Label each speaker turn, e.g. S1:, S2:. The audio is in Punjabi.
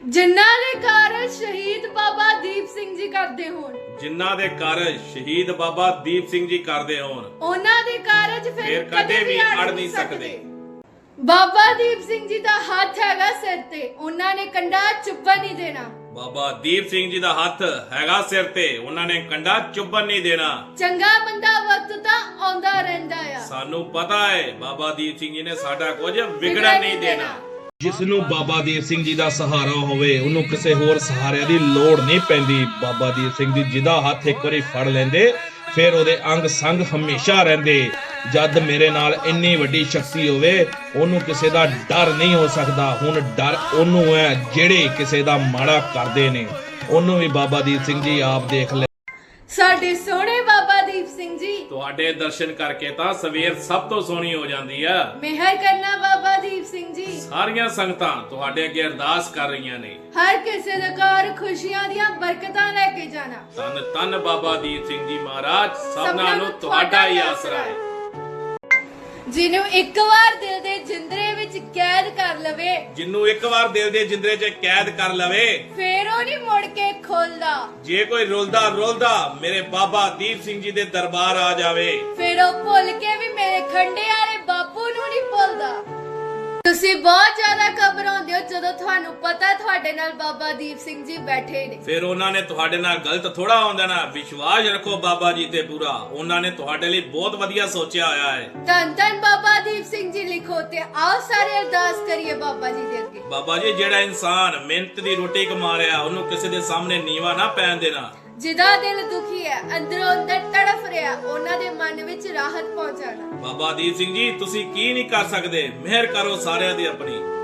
S1: ਜਿਨ੍ਹਾਂ ਦੇ ਕਾਰਜ ਸ਼ਹੀਦ ਬਾਬਾ ਦੀਪ ਸਿੰਘ ਜੀ ਕਰਦੇ ਹੋਣ,
S2: ਜਿਨ੍ਹਾਂ ਦੇ ਕਾਰਜ ਸ਼ਹੀਦ ਬਾਬਾ ਦੀਪ ਸਿੰਘ ਜੀ ਕਰਦੇ ਹੋਣ,
S1: ਉਹਨਾਂ ਦੇ ਕਾਰਜ ਫਿਰ
S2: ਕਦੇ ਵੀ ਅੜ ਨਹੀਂ ਸਕਦੇ।
S1: ਬਾਬਾ ਦੀਪ ਸਿੰਘ ਜੀ ਦਾ ਹੱਥ ਹੈਗਾ ਸਿਰ ਤੇ, ਉਹਨਾਂ ਨੇ ਕੰਡਾ ਚੁੱਭਣ ਨਹੀਂ ਦੇਣਾ।
S2: ਬਾਬਾ ਦੀਪ ਸਿੰਘ ਜੀ ਦਾ ਹੱਥ ਹੈਗਾ ਸਿਰ ਤੇ, ਉਹਨਾਂ ਨੇ ਕੰਡਾ ਚੁੱਭਣ ਨਹੀਂ ਦੇਣਾ।
S1: ਚੰਗਾ ਬੰਦਾ ਵਕਤ ਤਾਂ ਆਉਂਦਾ ਰਹਿੰਦਾ ਆ,
S2: ਸਾਨੂੰ ਪਤਾ ਹੈ ਬਾਬਾ ਦੀਪ ਸਿੰਘ ਜੀ ਨੇ ਸਾਡਾ ਕੁਝ ਵਿਗੜਨ ਨਹੀਂ ਦੇਣਾ।
S3: ਜਿਸ ਨੂੰ ਬਾਬਾ ਦੀਪ ਸਿੰਘ ਜੀ ਦਾ ਸਹਾਰਾ ਹੋਵੇ ਉਹਨੂੰ ਕਿਸੇ ਹੋਰ ਸਹਾਰੇ ਦੀ ਲੋੜ ਨਹੀਂ ਪੈਂਦੀ। ਬਾਬਾ ਦੀਪ ਸਿੰਘ ਜੀ ਜਿਹਦਾ ਹੱਥ ਇੱਕ ਵਾਰੀ ਫੜ ਲੈਂਦੇ ਫਿਰ ਉਹਦੇ ਅੰਗ ਸੰਗ ਹਮੇਸ਼ਾ ਰਹਿੰਦੇ। ਜਦ ਮੇਰੇ ਨਾਲ ਇੰਨੀ ਵੱਡੀ ਸ਼ਕਤੀ ਹੋਵੇ ਉਹਨੂੰ ਕਿਸੇ ਦਾ ਡਰ ਨਹੀਂ ਹੋ ਸਕਦਾ। ਹੁਣ ਡਰ ਉਹਨੂੰ ਹੈ ਜਿਹੜੇ ਕਿਸੇ ਦਾ ਮਾੜਾ ਕਰਦੇ ਨੇ, ਉਹਨੂੰ ਵੀ ਬਾਬਾ ਦੀਪ ਸਿੰਘ ਜੀ ਆਪ ਦੇਖ ਲੈ।
S1: ਸਾਡੇ ਸੋਹਣੇ ਬਾਬਾ ਦੀਪ ਸਿੰਘ ਜੀ,
S2: ਤੁਹਾਡੇ ਦਰਸ਼ਨ ਕਰਕੇ ਤਾਂ ਸਵੇਰ ਸਭ ਤੋਂ ਸੋਹਣੀ ਹੋ ਜਾਂਦੀ ਆ।
S1: ਮਿਹਰ ਕਰਨਾ ਬਾਬਾ ਦੀਪ ਸਿੰਘ ਜੀ।
S2: ਸਾਰੀਆਂ ਸੰਗਤਾਂ ਤੁਹਾਡੇ ਅੱਗੇ ਅਰਦਾਸ ਕਰ ਰਹੀਆਂ ਨੇ।
S1: ਹਰ ਕਿਸੇ ਦੇ ਘਰ ਖੁਸ਼ੀਆਂ ਦੀਆਂ ਬਰਕਤਾਂ ਲੈ ਕੇ ਜਾਣਾ।
S2: ਧੰਨ ਧੰਨ ਬਾਬਾ ਦੀਪ ਸਿੰਘ ਜੀ ਮਹਾਰਾਜ, ਸਭਨਾਂ ਨੂੰ ਤੁਹਾਡਾ ਹੀ ਆਸਰਾ ਹੈ।
S1: ਜਿਹਨੂੰ ਇੱਕ ਵਾਰ ਦਿਲ ਦੇ ਜਿੰਦਰੇ ਵਿੱਚ ਕੈਦ ਕਰ ਲਵੇ,
S2: ਜਿਹਨੂੰ ਇੱਕ ਵਾਰ ਦਿਲ ਦੇ ਜਿੰਦਰੇ 'ਚ ਕੈਦ ਕਰ ਲਵੇ,
S1: ਫੇਰ ਉਹ ਨਹੀਂ ਮੁੜ ਕੇ ਖੋਲਦਾ।
S2: ਜੇ ਕੋਈ ਰੁਲਦਾ ਮੇਰੇ ਬਾਬਾ ਦੀਪ ਸਿੰਘ ਜੀ ਦੇ ਦਰਬਾਰ ਆ ਜਾਵੇ,
S1: ਫੇਰ ਉਹ ਭੁੱਲ ਕੇ ਵੀ ਮੇਰੇ ਖੰਡੇ ਵਾਲੇ ਬਾਪੂ ਨੂੰ ਨਹੀਂ ਭੁੱਲਦਾ। ਤੁਸੀਂ ਬਹੁਤ ਜ਼ਿਆਦਾ ਘਬਰਾਉਂਦੇ ਹੋ ਜਦੋਂ ਤੁਹਾਨੂੰ ਪਤਾ ਤੁਹਾਡੇ ਨਾਲ ਬਾਬਾ ਦੀਪ ਸਿੰਘ ਜੀ ਬੈਠੇ ਨੇ।
S2: ਫਿਰ ਉਹਨਾਂ ਨੇ ਤੁਹਾਡੇ ਨਾਲ ਗਲਤ ਥੋੜਾ ਹੁੰਦਾ ਨਾ। ਵਿਸ਼ਵਾਸ ਰੱਖੋ ਬਾਬਾ ਜੀ ਤੇ ਪੂਰਾ, ਉਹਨਾਂ ਨੇ ਤੁਹਾਡੇ ਲਈ ਬਹੁਤ ਵਧੀਆ ਸੋਚਿਆ ਹੋਇਆ ਹੈ।
S1: ਧੰਨ ਧੰਨ ਬਾਬਾ ਦੀਪ ਸਿੰਘ ਜੀ ਲਿਖੋ ਤੇ ਆਓ ਸਾਰੇ ਅਰਦਾਸ ਕਰੀਏ ਬਾਬਾ ਜੀ ਦੇ ਅੱਗੇ।
S2: ਬਾਬਾ ਜੀ, ਜਿਹੜਾ ਇਨਸਾਨ ਮਿਹਨਤ ਦੀ ਰੋਟੀ ਕਮਾ ਰਿਹਾ ਉਹਨੂੰ ਕਿਸੇ ਦੇ ਸਾਹਮਣੇ ਨੀਵਾ ਨਾ ਪੈਣ ਦੇਣਾ।
S1: ਜਿਹਦਾ ਦਿਲ ਦੁਖੀ ਹੈ, ਅੰਦਰੋਂ ਅੰਦਰ ਤੜਫ ਰਿਹਾ, ਉਹਨਾਂ ਦੇ ਮਨ ਵਿੱਚ ਰਾਹਤ ਪਹੁੰਚਾਣਾ।
S2: ਬਾਬਾ ਦੀਪ ਸਿੰਘ ਜੀ, ਤੁਸੀਂ ਕੀ ਨਹੀਂ ਕਰ ਸਕਦੇ, ਮਿਹਰ ਕਰੋ ਸਾਰਿਆਂ ਦੀ ਆਪਣੀ।